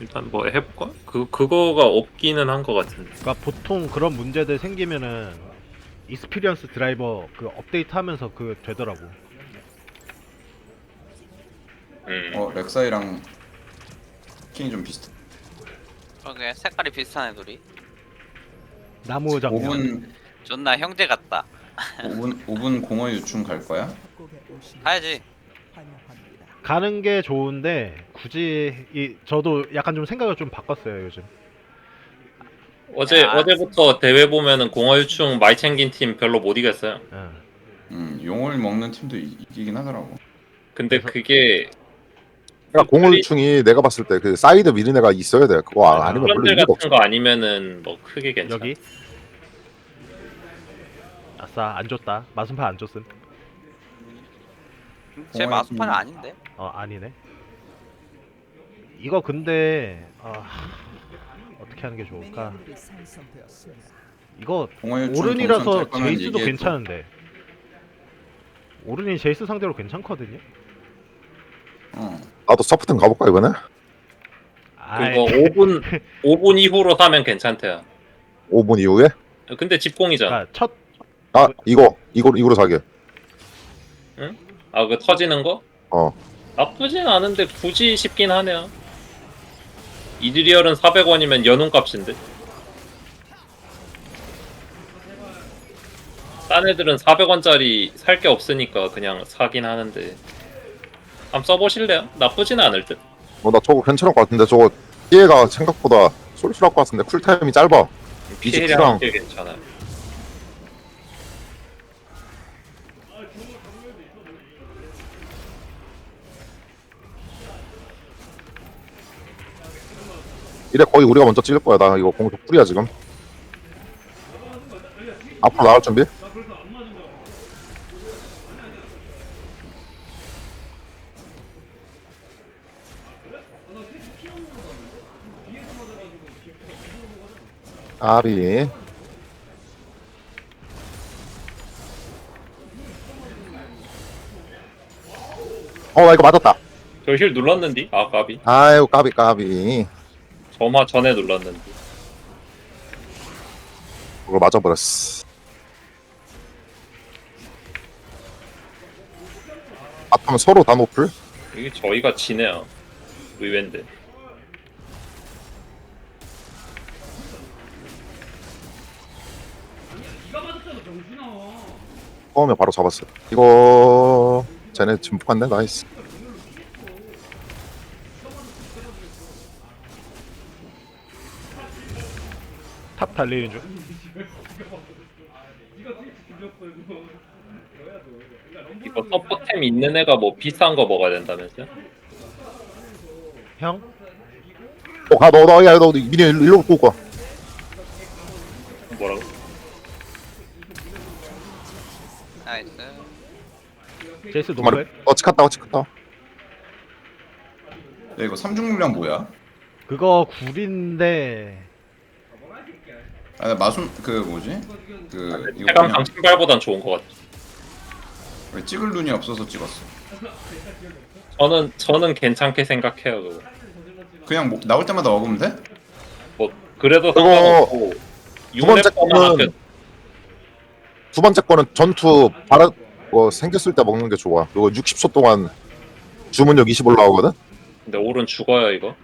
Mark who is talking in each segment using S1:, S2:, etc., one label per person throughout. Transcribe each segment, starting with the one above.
S1: 일단 뭐 해볼까? 그거가 없기는 한 것 같은데.
S2: 그러니까 보통 그런 문제들 생기면은 익스피리언스 드라이버 그 업데이트하면서 그 되더라고.
S3: 렉사이랑 스킨이 좀 비슷해.
S4: 그러게 색깔이 비슷한 애들이
S2: 나무 장면.
S3: 5분
S4: 존나 형제 같다.
S3: 5분 공허 유충 갈 거야?
S4: 가야지.
S2: 가는 게 좋은데 굳이 저도 약간 좀 생각을 좀 바꿨어요 요즘.
S4: 야.
S1: 어제부터 대회 보면은 공허유충 많이 챙긴 팀 별로 못 이겼어요.
S3: 용을 먹는 팀도 이기긴 하더라고.
S1: 근데
S2: 그래서-
S1: 그게
S5: 그러니까 공허유충이 내가 봤을 때 그 사이드 미는 애가 있어야 돼. 그거 아니면 별로
S1: 프런들
S5: 의미가
S1: 같은
S5: 없어.
S1: 거 아니면은 뭐 크게 괜찮아.
S2: 여기. 아싸 안 줬다. 마순파 안 줬음.
S4: 제 마스판은 아닌데.
S2: 아니네. 이거 근데 어떻게 하는 게 좋을까? 이거
S3: 공허 유충
S2: 오른이라서
S3: 동선 짤 거면
S2: 제이스도
S3: 얘기해줘.
S2: 괜찮은데. 오른이 제이스 상대로 괜찮거든요.
S5: 나도 서프튼 가볼까 이번에?
S2: 아이,
S1: 그거 5분 이후로 사면 괜찮대요.
S5: 5분 이후에?
S1: 근데 집공이잖아.
S2: 그러니까 첫
S5: 아 이거로 사게.
S1: 아, 그 터지는 거?
S5: 어.
S1: 나쁘진 않은데 굳이 싶긴 하네요. 이드리얼은 400원이면 연운 값인데. 딴 애들은 400원짜리 살 게 없으니까 그냥 사긴 하는데. 한번 써보실래요? 나쁘진 않을 듯.
S5: 나 저거 괜찮을 것 같은데 저거 피해가 생각보다 쏠쏠할 것 같은데 쿨타임이 짧아.
S1: 피해량
S5: 이집트랑
S1: 꽤 괜찮아요.
S5: 이래 거의 우리가 먼저 찍을 거야. 나 이거 공격 풀이야 지금. 앞으로 나갈 준비? 아비. 나 이거 맞았다.
S1: 저 힐 눌렀는디? 아, 까비.
S5: 아이고 까비.
S1: 점화 전에 눌렀는디.
S5: 그걸 맞아버렸어. 앞하면 서로 다 노플?
S1: 이게 저희가 지네요. 의외인데.
S5: 처음에 바로 잡았어요. 이거 쟤네 진폭 갔네. 나이스.
S2: 탑 달리는 중.
S1: 이거 서포템 있는 애가 뭐 비싼 거 먹어야 된다면서요?
S2: 형?
S5: 야, 너 미니 일로 끌고 가.
S1: 뭐라고?
S4: 나이스.
S2: 제이스
S5: 두 마리.
S2: 노플.
S5: 찍혔다.
S3: 야, 이거 삼중물량 뭐야?
S2: 그거 굴인데
S3: 나 마순 그 뭐지? 그 이거
S1: 해강
S3: 그냥
S1: 강신발보단 좋은 것 같아.
S3: 왜 찍을 눈이 없어서 찍었어.
S1: 저는 괜찮게 생각해요. 그거.
S3: 그냥 나올 때마다 먹으면 돼?
S1: 뭐 그래도
S5: 그거
S1: 상관없고
S5: 두 번째 거는 두 번째 거는 전투 생겼을 때 먹는 게 좋아. 이거 60초 동안 주문력 20 올라오거든.
S1: 근데 오른 죽어요 이거.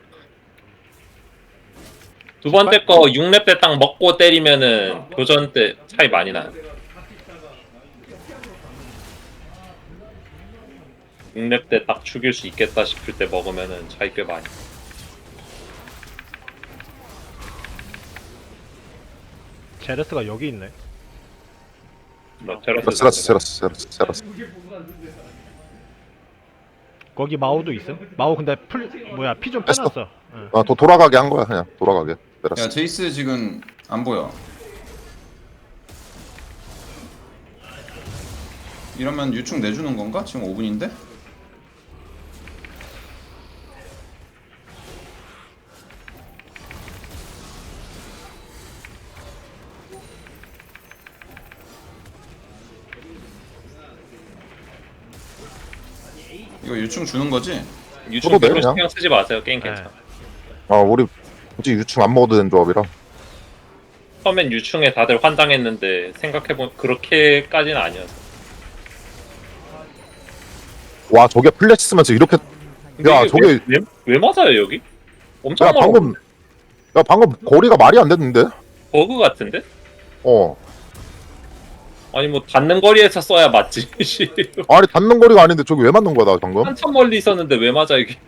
S1: 두 번째 거 6렙 때 딱 먹고 때리면은 교전 때 차이 많이 나요. 6렙 때 딱 죽일 수 있겠다 싶을 때 먹으면은 차이 꽤 많이.
S2: 제레스가 여기 있네.
S5: 세라스.
S2: 거기 마오도 있음? 마오 근데 피 좀
S5: 뺐어.
S2: 빼놨어. 응.
S5: 돌아가게 한 거야 그냥 돌아가게. 세라스.
S3: 야 제이스 지금 안 보여. 이러면 유충 내주는 건가? 지금 5분인데? 이거 유충 주는 거지?
S1: 유충
S5: 저도 돼요,
S1: 별로
S5: 그냥.
S1: 신경 쓰지 마세요. 게임
S2: 네.
S1: 괜찮아.
S5: 우리 굳이 유충 안 먹어도 되는 조합이라.
S1: 처음엔 유충에 다들 환장했는데 생각해보면 그렇게까지는 아니었어.
S5: 와 저게 플래시 쓰면서 이렇게
S1: 근데
S5: 야,
S1: 이게
S5: 저게-
S1: 왜 맞아요 여기? 엄청
S5: 야
S1: 멀어.
S5: 방금 거리가 말이 안 됐는데?
S1: 버그 같은데?
S5: 어
S1: 아니 뭐 닿는 거리에서 써야 맞지. 씨.
S5: 아니 닿는 거리가 아닌데 저기 왜 맞는 거야 나 방금?
S1: 한참 멀리 있었는데 왜 맞아 이게?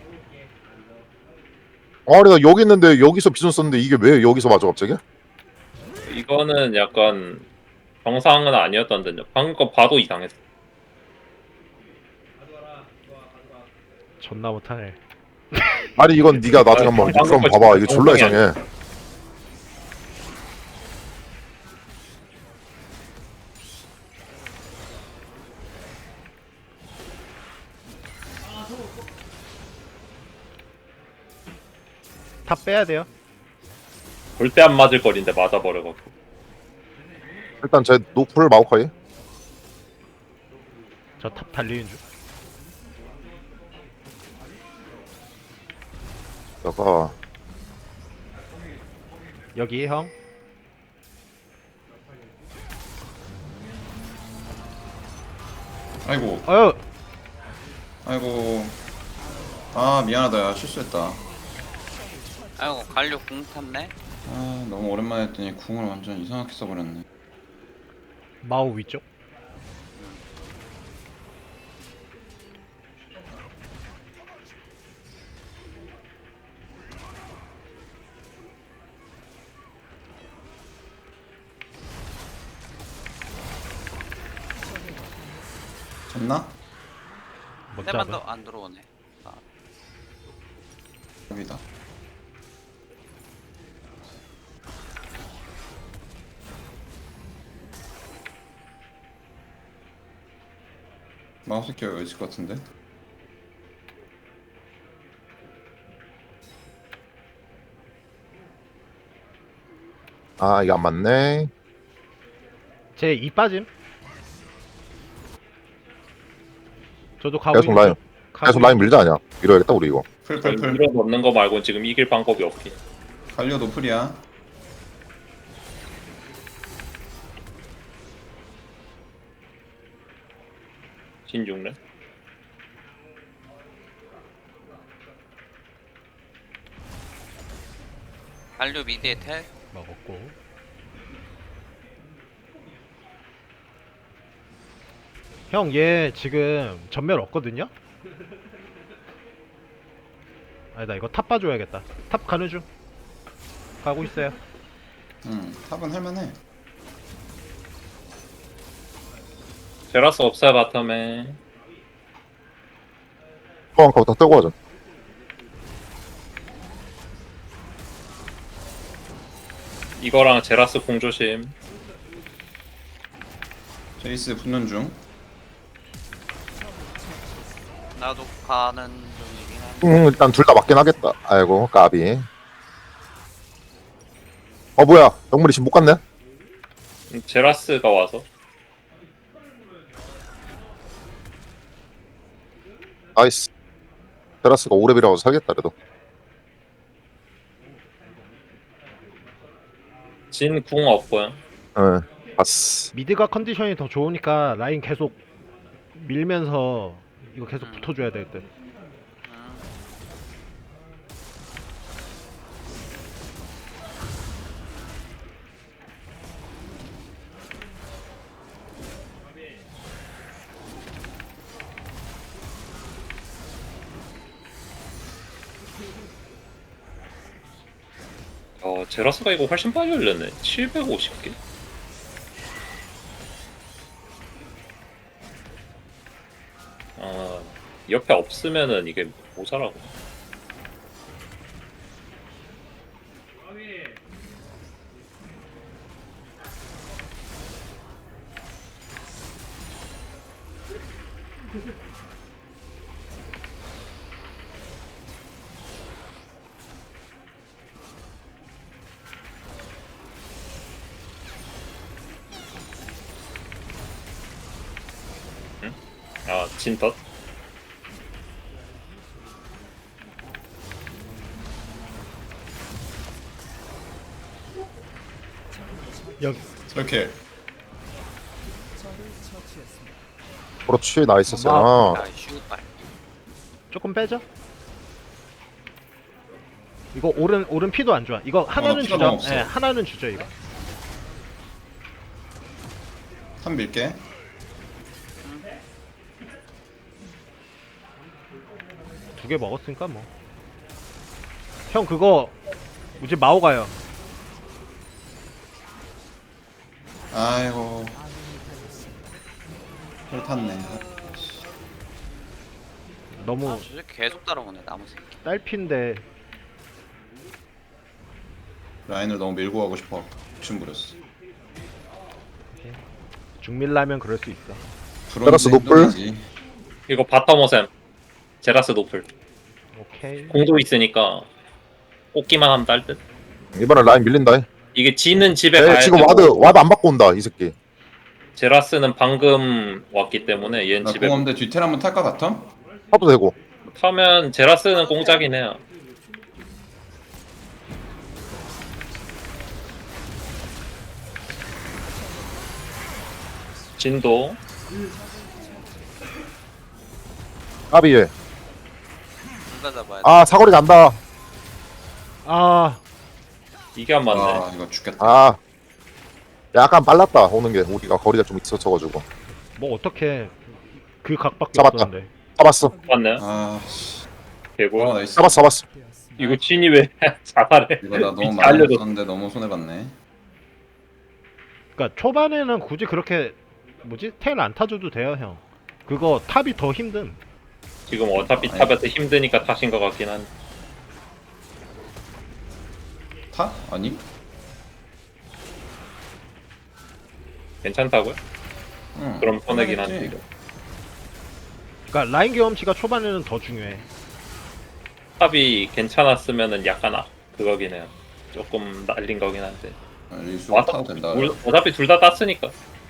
S5: 아니 나 여기 있는데 여기서 비전 썼는데 이게 왜 여기서 맞아 갑자기?
S1: 이거는 약간 정상은 아니었던 듯요. 방금 거 봐도 이상했어.
S2: 존나 못하네.
S5: 아니 이건 네가 나중에 한번
S1: 방금
S5: 그럼
S1: 거
S5: 봐봐
S1: 진짜
S5: 이게 졸라
S1: 정상이
S5: 이상해.
S2: 탑 빼야 돼요.
S1: 절대 안 맞을 거리인데 맞아버려갖고.
S5: 일단 제 노플 마오카이.
S2: 저 탑 달리는 중.
S5: 내가
S2: 여기 형.
S3: 아이고
S2: 어휴.
S3: 아이고. 아 미안하다. 야, 실수했다.
S4: 아이고 갈려 궁 탔네.
S3: 아 너무 오랜만에 했더니 궁을 완전 이상하게 써버렸네.
S2: 마우 위쪽.
S3: 졌나?
S2: 못
S4: 때만
S2: 잡아.
S4: 더 안 들어오네.
S3: 여기다. 마우스 키가 여기 있을 것 같은데?
S5: 아 이게 안 맞네.
S2: 제 이 빠짐. 저도 가고
S5: 계속 라인 계속 라인 밀자 아니야. 밀어야겠다 우리 이거.
S3: 풀풀풀.
S1: 밀어 넣는 거 말고는 지금 이길 방법이 없긴.
S3: 갈려 노플이야.
S1: 진중래.
S4: 갈려 미드에 텔.
S2: 먹었고. 형, 얘 지금 전멸 없거든요? 아니다, 이거 탑 봐줘야겠다. 탑 가는 중. 가고 있어요.
S3: 탑은 할만해.
S1: 제라스 없어요 바텀에.
S5: 포항 다 떼고 하자.
S1: 이거랑 제라스 공조심.
S3: 제이스 붙는 중.
S4: 나도 가는 중이긴 한데.
S5: 일단 둘 다 맞긴 하겠다. 아이고 까비. 뭐야 영물이 지금 못 갔네.
S1: 제라스가 와서.
S5: 나이스. 테라스가 오랩이라고 살겠다 그래도.
S1: 진 궁 없고요.
S5: 응 봤어.
S2: 미드가 컨디션이 더 좋으니까 라인 계속 밀면서 이거 계속 붙어줘야 될 듯.
S1: 제라스가 이거 훨씬 빨리 올렸네. 750개? 옆에 없으면은 이게 모자라고. 진덧?
S2: 여기
S3: 이렇게
S5: 그렇지 나이스 세나.
S4: 야 슈발.
S2: 조금 빼죠. 이거 오른 피도 안 좋아. 이거 하나는
S3: 피가
S2: 주죠.
S3: 너무 없어.
S2: 예, 하나는 주죠 이거.
S3: 한 밀게.
S2: 두 개 먹었으니까 뭐. 형 그거 이제 마오 가요.
S3: 아이고. 혈 탔네.
S2: 너무
S4: 아, 저 새끼 계속 따라오네 나무 새끼.
S2: 딸핀데
S3: 라인을 너무 밀고 가고 싶어. 욕심 부렸어.
S2: 중밀라면 그럴 수 있어.
S5: 테라스 노플?
S1: 이거 바텀 오셈. 제라스 노플.
S2: 오케이.
S1: 공도 있으니까 뽑기만 하면 딸 듯.
S5: 이번엔 라인 밀린다.
S1: 이게 지는 집에
S5: 쟤
S1: 가야
S5: 지금
S1: 되고
S5: 와드 안 받고 온다 이 새끼.
S1: 제라스는 방금 왔기 때문에 얘는
S3: 나
S1: 집에
S3: 공업대 뒤텔 한번 탈까 같아?
S5: 타도 되고.
S1: 타면 제라스는 공짜긴 해요. 진도
S5: 까비에.
S4: 둘다 잡아야 돼.
S5: 아 사거리 간다.
S2: 아
S1: 이게 안 맞네.
S3: 아 이거 죽겠다.
S5: 아 약간 빨랐다 오는 게 우리가 거리가 좀 있었어가지고.
S2: 뭐 어떻게 그 각밖에
S5: 잡았다.
S2: 없었는데.
S5: 잡았어.
S1: 맞네.
S3: 아씨.
S1: 개고.
S3: 와 나이스.
S5: 잡았어.
S1: 이거 진이 왜 자살해?
S3: 이거 나 너무
S1: 미치
S3: 많이
S1: 알려줘.
S3: 썼는데 너무 손해 봤네.
S2: 그러니까 초반에는 굳이 그렇게 뭐지 텔 안 타줘도 돼요 형. 그거 탑이 더 힘든.
S1: 지금 어차피
S3: 아니.
S1: 탑에서 힘드니까 타신 것 같긴 한데.
S3: 타? 아니?
S1: 괜찮다고요?
S3: 응.
S1: 그럼 손해긴
S3: 손해겠지.
S1: 한데 이거.
S2: 그러니까 라인 경험치가 초반에는 더 중요해.
S1: 탑이 괜찮았으면은 약간 그거긴 해요. 조금 날린 거긴 한데.
S3: 아, 리수
S1: 왔다
S3: 타도 된다.
S1: 어차피 둘 다 땄으니까.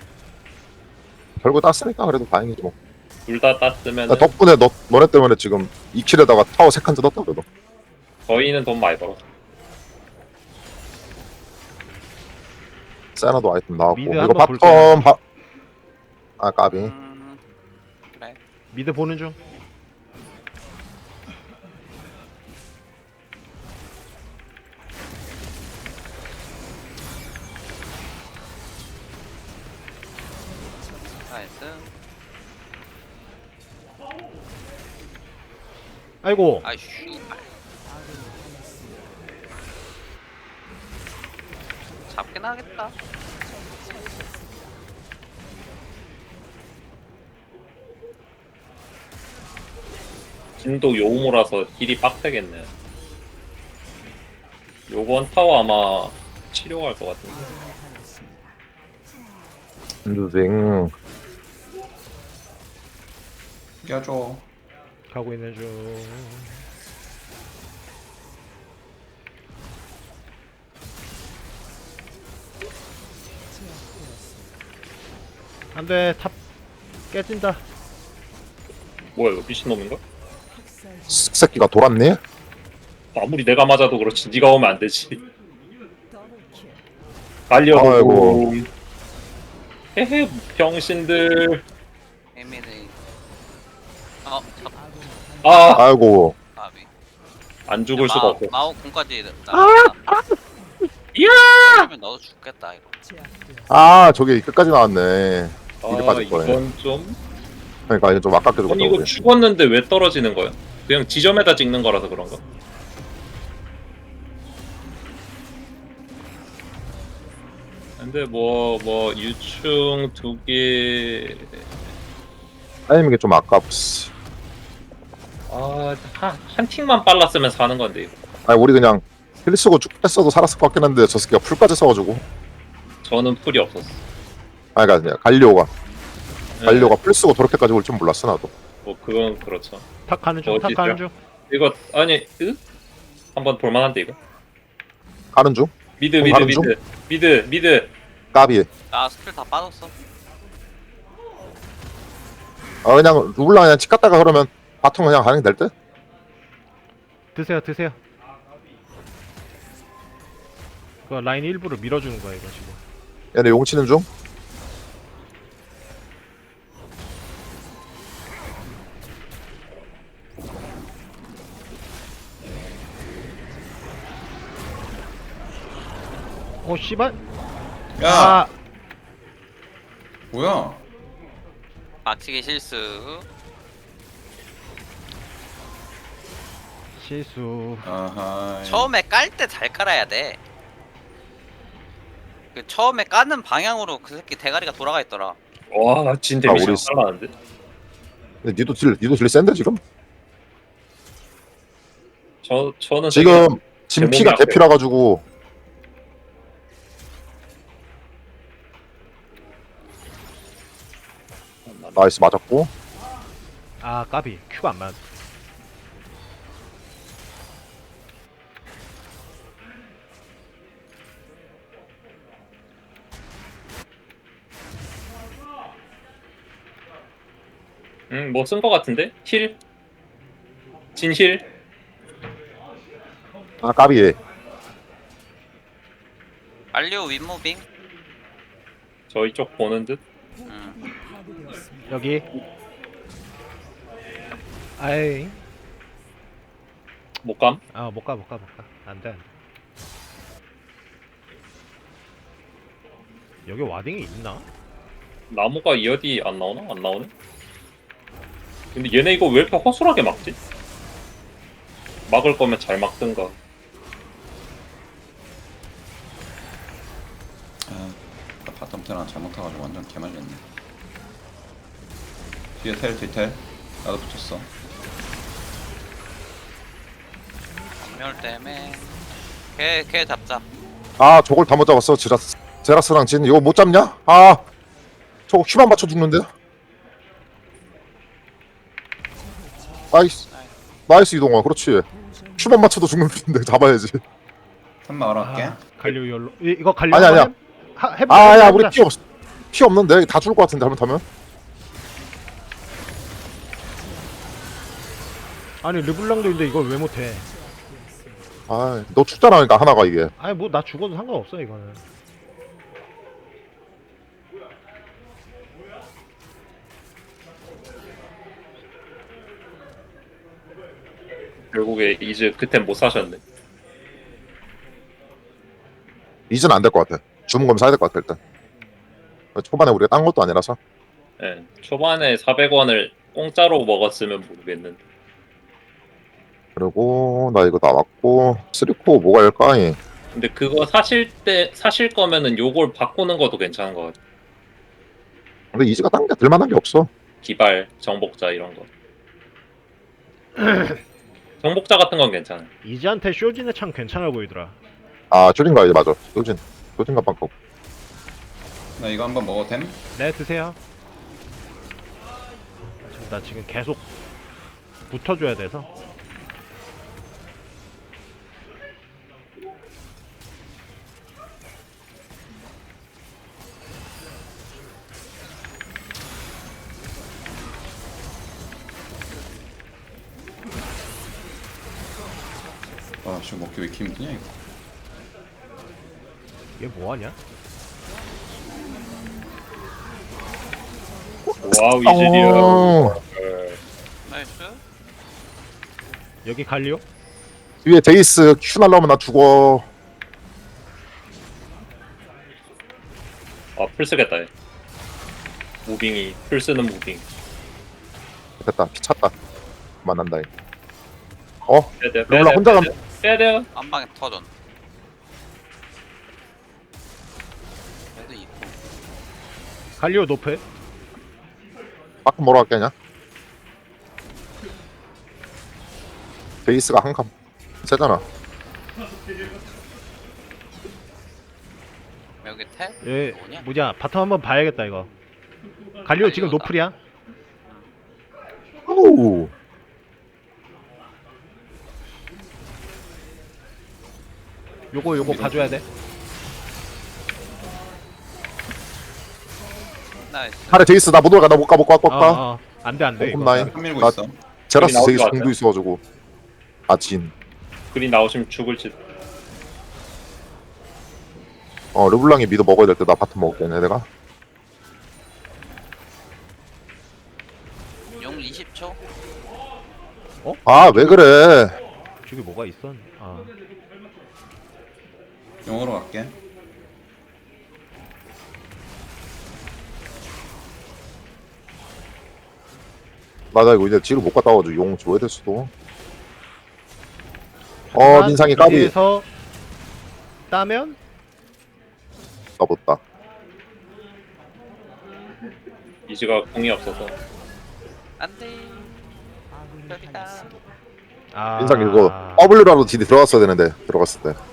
S5: 결국 땄으니까 그래도 다행이지 뭐.
S1: 둘 다 땄으면
S5: 나 덕분에 너네 때문에 지금 2킬에다가 타워 3칸 뜯었다 그래도.
S1: 저희는 돈 많이 벌었어.
S5: 세나도 아이템 나왔고
S2: 미드
S5: 이거
S2: 한번
S5: 바텀 아 까비.
S4: 그래.
S2: 미드 보는 중.
S4: 나이스.
S2: 아이고
S4: 아 슈발. 잡긴 하겠다.
S1: 진도 요우모라서 딜이 빡세겠네요. 요번 타워 아마 치료할 것 같은데.
S5: 인두징.
S3: 껴줘.
S2: 가고 있는 중. 안돼 탑 깨진다.
S1: 뭐야 이거 미친놈인가?
S5: 새끼가 돌았네.
S1: 아무리 내가 맞아도 그렇지 네가 오면 안 되지. 달려도
S5: 아이고.
S1: 헤헤 병신들.
S4: 에미리. 잡.
S1: 아!
S5: 아이고.
S4: 아비.
S1: 안 죽을 수가 없어.
S4: 마오 공까지
S1: 이야!
S4: 하면 너도 죽겠다 이거.
S5: 아 저게 끝까지 나왔네. 이리 빠질 거네.
S1: 이건 좀...
S5: 그러니까 이거 좀 아깝게
S1: 아니
S5: 죽었다
S1: 이거
S5: 우리.
S1: 죽었는데 왜 떨어지는 거야? 그냥 지점에다 찍는 거라서 그런가? 근데 뭐 유충 2개...
S5: 타이밍이 좀 아깝스.
S1: 한 틱만 빨랐으면 사는 건데 이거.
S5: 아니 우리 그냥 힐 쓰고 쭉 뺐어도 살았을 것 같긴 한데 저 새끼가 풀까지 써가지고.
S1: 저는 풀이 없었어.
S5: 아니 그러니까 갈리오가 풀 쓰고 저렇게까지 올 줄 몰랐어 나도.
S1: 뭐 그건 그렇죠.
S2: 탁 가는 중. 탁
S1: 어디죠?
S2: 가는 중.
S1: 이거 아니 한번 볼만한데 이거.
S5: 가는 중.
S1: 미드
S5: 가는 중?
S1: 미드.
S5: 까비.
S4: 나 스킬 다 빠졌어.
S5: 아 그냥 룰라 그냥 치 갔다가 그러면 바텀 그냥 가는 게 될 듯?
S2: 드세요. 그 라인 일부러 밀어주는 거야 이거 지금.
S5: 얘네 용 치는 중.
S2: 씨발.
S3: 야
S2: 아,
S3: 뭐야?
S4: 막치기 실수.
S2: 실수.
S3: 아하.
S4: 처음에 깔 때 잘 깔아야 돼. 그 처음에 까는 방향으로 그 새끼 대가리가 돌아가 있더라.
S1: 와진 데미지
S5: 우리
S1: 잘나는데.
S5: 근데 니도 딜 센데 지금?
S1: 저는
S5: 지금
S1: 제 몸이
S5: 진피가
S1: 앞에.
S5: 개피라 가지고 나이스 맞았고.
S2: 아, 까비. 큐가 안 맞았어.
S1: 뭐 쓴 거 같은데? 힐? 진힐?
S5: 아 까비.
S4: 알리오 윗무빙.
S1: 저희 쪽 보는 듯?
S2: 여기. 아이.
S1: 못감?
S2: 아, 못 가. 안 돼. 여기 와딩이 있나?
S1: 나무가 이 어디 안 나오나? 안 나오네? 근데 얘네 이거 왜 이렇게 허술하게 막지? 막을 거면 잘 막든가.
S3: 아, 나 바텀 테랑 잘못 타가지고 완전 개말렸네. 뒤에 텔 뒤텔 나도 붙였어.
S4: 전멸 때문에. 걔 잡자.
S5: 아 저걸 다 못 잡았어. 제라스랑 진 이거 못 잡냐? 아 저거 큐만 맞춰 죽는데. 나이스 이동아. 그렇지. 큐만 맞춰도 죽는 데 잡아야지.
S3: 탑 막으러 갈게.
S2: 아, 갈류 열로. 이거 갈류.
S5: 아니야.
S2: 한번 해보자.
S5: 아야
S2: 해보자.
S5: 우리 피 없는데 다 죽을 것 같은데 잘못하면.
S2: 아니, 르블랑도 있는데 이걸 왜 못해?
S5: 아너 죽잖아. 그러니까 하나가 이게.
S2: 아니, 뭐 나 죽어도 상관없어 이거는.
S1: 결국에 이즈 그땐 못 사셨네.
S5: 이제는 안 될 것 같아. 주문 거면 사야 될 것 같아 일단. 초반에 우리가 딴 것도 아니라서.
S1: 예. 초반에 400원을 공짜로 먹었으면 모르겠는데.
S5: 그리고 나 이거 나왔고 3코어 뭐가 할까?
S1: 근데 그거 사실 거면은 요걸 바꾸는 것도 괜찮은 것 같아.
S5: 근데 이즈가 딴 게 들만한 게 없어.
S1: 기발, 정복자 이런 거. 정복자 같은 건 괜찮아.
S2: 이지한테 쇼진의 창 괜찮아 보이더라.
S5: 아 줄인가 이제 맞아. 소진 가방 거.
S3: 나 이거 한번 먹어도 됨?
S2: 네, 드세요. 나 지금 계속 붙어줘야 돼서.
S3: 아 지금 먹기 왜 이렇게 힘드냐 이거.
S2: 얘 뭐하냐?
S1: 와우 이즈리얼.
S5: 어,
S4: 나이스.
S2: 여기 갈리오?
S5: 뒤에 데이스 큐 날라오면 나 죽어.
S1: 풀 쓰겠다. 얘. 무빙이 풀 쓰는 무빙.
S5: 됐다. 피 찼다. 만난다.
S1: 빼야 돼요.
S5: 르블랑 혼자 가면
S1: 빼야 돼요.
S4: 한 방에 터전. 그래도 있고.
S2: 갈리오 노프?
S5: 빠끔 뭐로 할게냐? 베이스가 한 칸 세잖아.
S4: 여기 텔?
S2: 얘
S4: 뭐냐?
S2: 뭐냐? 바텀 한번 봐야겠다 이거. 갈리오 지금
S4: 갈리오다.
S2: 노플이야?
S5: 오.
S2: 요거 봐줘야 돼.
S4: 나이스.
S5: 아래 데이스 나 못 올가. 나 못 가.
S2: 안돼 이거.
S5: 홈라인.
S3: 한 밀고
S5: 나-
S3: 있어.
S5: 제라스
S1: 나올
S5: 데이스
S1: 것
S5: 공도
S1: 같아.
S5: 있어가지고. 아 진.
S1: 그리 나오시면 죽을지.
S5: 르블랑이 미드 먹어야 될 때 나 바텀 먹을게 내가.
S4: 용 20초.
S5: 아 왜 그래?
S2: 저기 뭐가 있었? 아
S3: 용으로 갈게.
S5: 맞아 이거 이제 뒤로 못 갔다 와가지고 용 줘야 될 수도.
S2: 하지만
S5: 민상이 까비.
S2: 미드에서 따면
S5: 까봤다.
S1: 이지가 공이 없어서.
S4: 안돼. 여기다.
S2: 아
S5: 민상 이거 W라도 딜이 들어갔어야 되는데 들어갔을 때.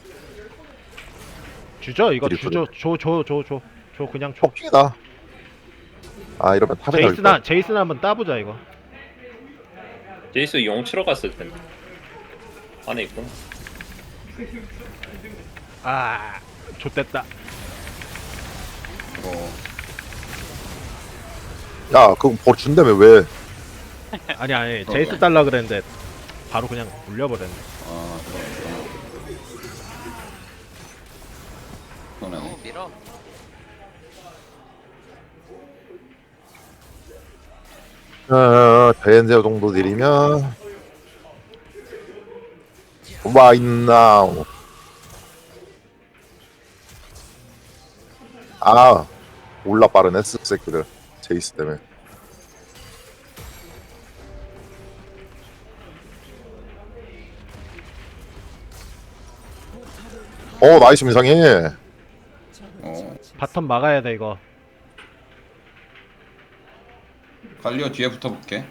S2: 주죠 이거
S5: 딜이
S2: 주죠 줘 그냥 줘.
S5: 폭킹이다. 아 이러면 탑에 갈 때.
S2: 제이스나 한번 따보자 이거.
S1: 제이스 용 치러 갔을 텐데. 안에 있구나.
S2: 아 좆됐다.
S3: 이거
S5: 야 그거 벌 준다며 왜?
S2: 아니 제이스 달라 그랬는데 바로 그냥 물려버렸네.
S3: 아 그러네.
S4: 너무 밀어.
S5: 대연제 정도 느리면 Right now. 아 올라 빠르네 쓱새끼들 제이스 때문에. 나이스 민상이.
S2: 바텀 막아야 돼 이거.
S3: 갈리오 뒤에 붙어볼게.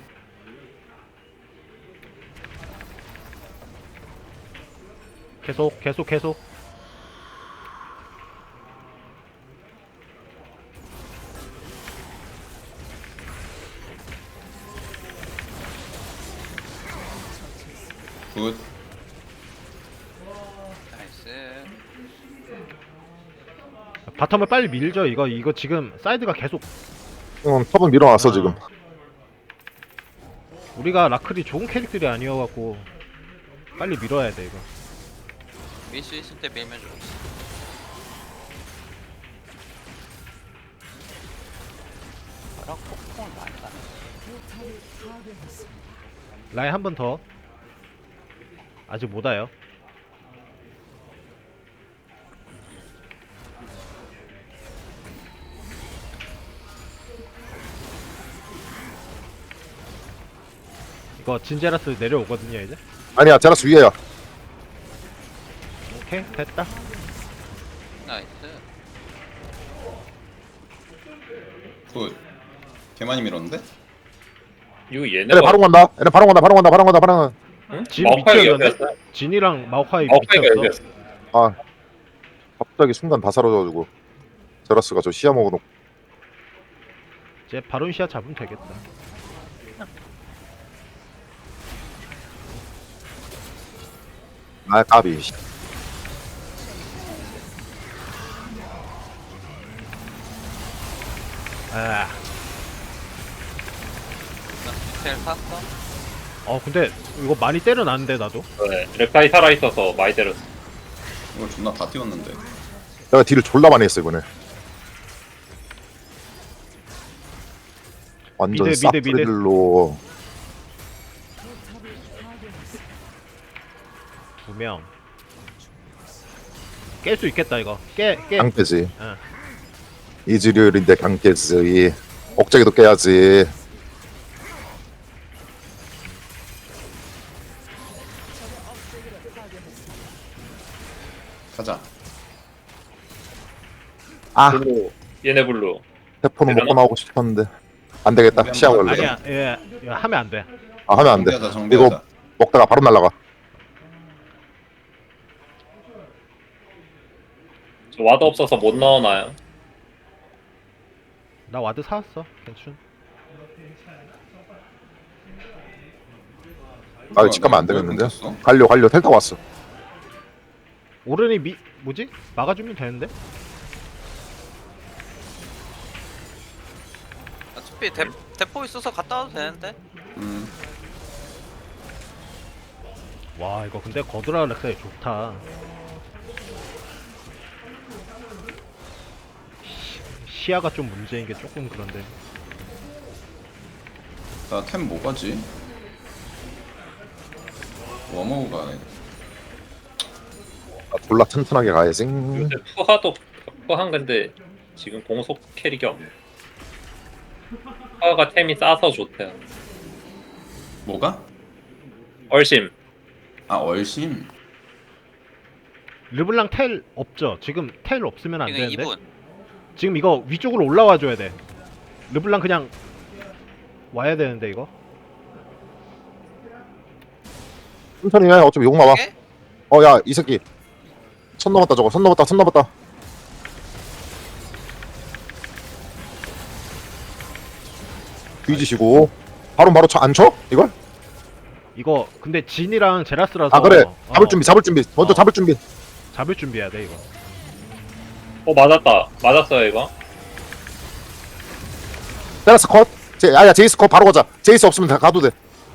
S2: 계속.
S3: 굿.
S4: 나이스.
S2: 바텀을 빨리 밀죠 이거 지금 사이드가 계속
S5: 탑은 밀어놨어 지금.
S2: 우리가 라클이 좋은 캐릭터이 아니어갖고 빨리 밀어야 돼 이거.
S4: 밀 수 있을 때 밀면 좋지. 바람 폭풍을 많이 가네.
S2: 라인 한 번 더. 아직 못 와요. 이거 진제라스 내려오거든요 이제.
S5: 아니야 제라스 위에야.
S2: 오케이 됐다.
S4: 나이스.
S3: 굿. 개 많이 밀었는데?
S1: 이거
S5: 얘네
S1: 얘네가
S5: 바로 간다. 얘네 바로 간다.
S1: 응?
S2: 진
S1: 마오카이가
S2: 미쳤는데?
S1: 여기였어.
S2: 진이랑 마오카이
S1: 마오카이가
S2: 미쳤어.
S1: 여기였어.
S5: 아 갑자기 순간 다 사라져가지고 제라스가 저 시야 먹어놓고.
S2: 이제 바론시아 잡으면 되겠다.
S5: 아 까비.
S2: 아,
S4: 나 스펠 샀어.
S2: 근데 이거 많이 때려놨는데 나도.
S1: 네, 렉타이 살아있어서 많이 때렸어.
S3: 이거 존나 다 띄웠는데.
S5: 내가 딜을 졸라 많이 했어 이번에. 완전
S2: 미드.
S5: 싹프리들로.
S2: 2명. 깰 수 있겠다 이거. 깨.
S5: 강깨지.
S2: 응.
S5: 이즈리얼인데 강깨지. 억제기도 깨야지.
S3: 가자.
S5: 아
S1: 블루, 얘네 블루.
S5: 대포는 먹고
S1: 되려나?
S5: 나오고 싶었는데 안 되겠다.
S3: 우리
S5: 시야
S3: 한번
S5: 걸려.
S2: 아니야. 이거 하면 안 돼.
S5: 아 하면 안 돼.
S3: 정비하자 정비하자.
S5: 이거 먹다가 바로 날라가.
S1: 저 와드 없어서 못 넣어놔요.
S2: 나 와드 사왔어. 괜춘.
S5: 아 집 가면 안 되겠는데.
S3: 끊겼어?
S5: 갈려 텔타 왔어.
S2: 오른이 뭐지? 막아주면 되는데?
S4: 어차피 대포 있어서 갔다 와도 되는데.
S2: 와 이거 근데 거드라 렉사이 좋다. 시야가 좀 문제인 게 조금 그런데.
S3: 나 템 뭐 가지? 워머우 가네.
S5: 아, 졸라 튼튼하게 가야지.
S1: 요새 푸하도 푸한 건데 지금 공속 캐릭이 없네. 푸하가 템이 싸서 좋대.
S3: 뭐가?
S1: 얼심.
S3: 아 얼심.
S2: 르블랑 텔 없죠? 지금 텔 없으면 안
S4: 지금
S2: 되는데.
S4: 2분.
S2: 지금 이거 위쪽으로 올라와 줘야 돼. 르블랑 그냥 와야 되는데 이거.
S5: 천천히 해. 어차피 욕 나와.
S4: 예?
S5: 야 이 새끼. 선 넘었다 저거. 선 넘었다. 선 넘었다. 뒤지시고. 바로 안 쳐? 이걸?
S2: 이거 근데 진이랑 제라스라서.
S5: 아 그래. 잡을
S2: 어,
S5: 준비. 잡을 준비. 먼저
S2: 어.
S5: 잡을 준비.
S2: 잡을 준비해야 돼 이거.
S1: 맞았다. 맞았어요 이거.
S5: 테라스 컷. 야 제이스 컷 바로 가자. 제이스 없으면 다 가도 돼.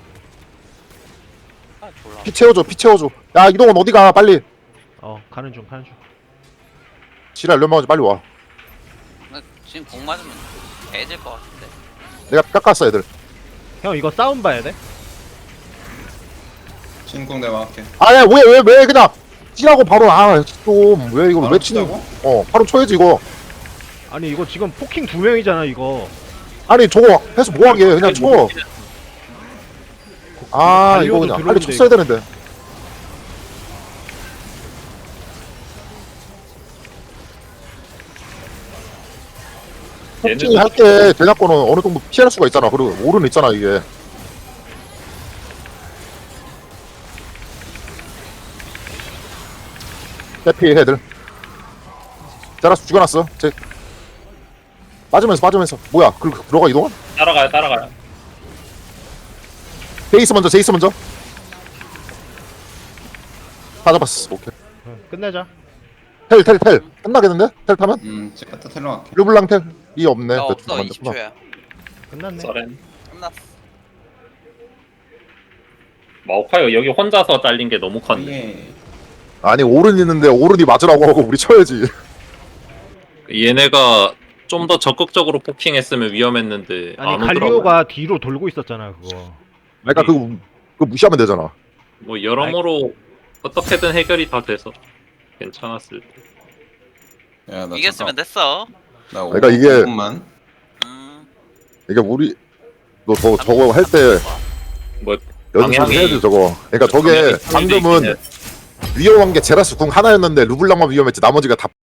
S4: 아 졸라.
S5: 피 채워줘. 피 채워줘. 야 이동원 어디가? 빨리.
S2: 가는 중 가는 중.
S5: 지랄 연마하지 빨리 와.
S4: 나 지금 공 맞으면 개질 것 같은데.
S5: 내가 깎았어 애들.
S2: 형 이거 싸움 봐야 돼.
S3: 신궁 내가 할게.
S5: 아야 왜 그냥 찌라고 바로 좀 왜 이걸
S3: 바로
S5: 왜 치는?
S3: 치자고?
S5: 바로 쳐야지 이거.
S2: 아니 이거 지금 포킹 2명이잖아 이거.
S5: 아니 저거 해서 뭐하게 그냥 쳐. 아 이거
S2: 갈리오도
S5: 그냥 빨리
S2: 들어오는데,
S5: 쳤어야 되는데.
S1: 얘는
S5: 폭진이 할때 대략권은 어느 정도 피할 수가 있잖아. 그리고 오른 있잖아 이게. 대피 애들. 자라스 죽여놨어. 빠지면서 뭐야? 들어가 이동원?
S1: 따라가요.
S5: 제이스 먼저. 다 잡았어. 오케이.
S2: 끝내자.
S5: 텔 끝나겠는데? 텔 타면?
S3: 제가 또 텔러 갈게.
S5: 르블랑 텔이 없네.
S4: 야
S5: 대충
S4: 없어
S5: 만졌구나.
S4: 20초야.
S2: 끝났네.
S1: 서렌.
S4: 끝났어.
S1: 마오카이가 여기 혼자서 잘린 게 너무 컸네.
S3: 예.
S5: 아니 오른 있는데 오른이 맞으라고 하고 우리 쳐야지.
S1: 얘네가 좀 더 적극적으로 포킹했으면 위험했는데
S2: 아니
S1: 안 오더라고.
S2: 갈리오가 뒤로 돌고 있었잖아 그거.
S5: 그러니까 그거 무시하면 되잖아.
S1: 뭐 여러모로 어떻게든 해결이 다 돼서 괜찮았을 때.
S3: 야, 나
S4: 이겼으면
S3: 잠깐.
S4: 됐어.
S3: 나
S5: 그러니까 이게-
S3: 5분만.
S5: 이게 우리 너 저거 할 때
S1: 뭐
S5: 연습을
S1: 방향이-
S5: 해야지 저거. 그러니까 저게
S1: 방향이
S5: 방금은 위험한 게 제라스 궁 하나였는데 르블랑만 위험했지 나머지가 다